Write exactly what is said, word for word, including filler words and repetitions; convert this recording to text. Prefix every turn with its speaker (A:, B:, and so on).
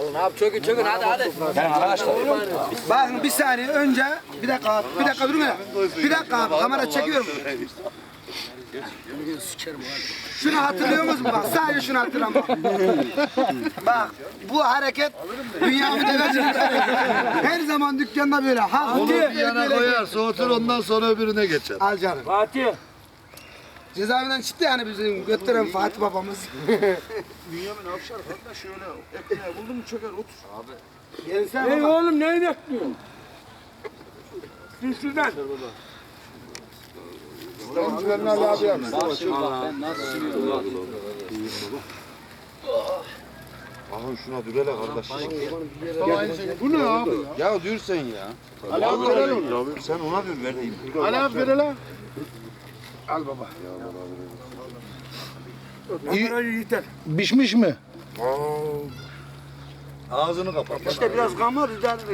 A: Alın abi çökün çökün hadi hadi.
B: Yani arkadaşlar.
C: Bakın bir saniye önce bir dakika abi, bir dakika durun hele. Bir dakika abi kamera çekiyorum. Şunu hatırlıyor musun bak sadece şunu hatırlama. Bak bu hareket dünyamı devecek. Her zaman dükkanda böyle. Ha,
D: Onu bir yana koyar, soğutur ondan sonra öbürüne geçer.
C: al canım.
A: Fatih.
C: Cezaevinden çıktı yani bizim götüren Fatih babamız.
D: Bünyamin Avşar kardeş şöyle ekmeği buldun mu çöker otur. Abi.
C: Gelsen
A: Ey
C: baba.
A: oğlum neyi bekliyorsun? Sil şuradan.
D: Öncülerini Ali abi yapsın. Ahın şuna dürele kardeş. Bu ne abi ya? Ya dür sen ya. Ali abi verelim. Sen ona dür vereyim. Ali abi verelim. Al baba.
E: Pişmiş mi?
D: Ağzını kapat.
A: İşte biraz kamur rica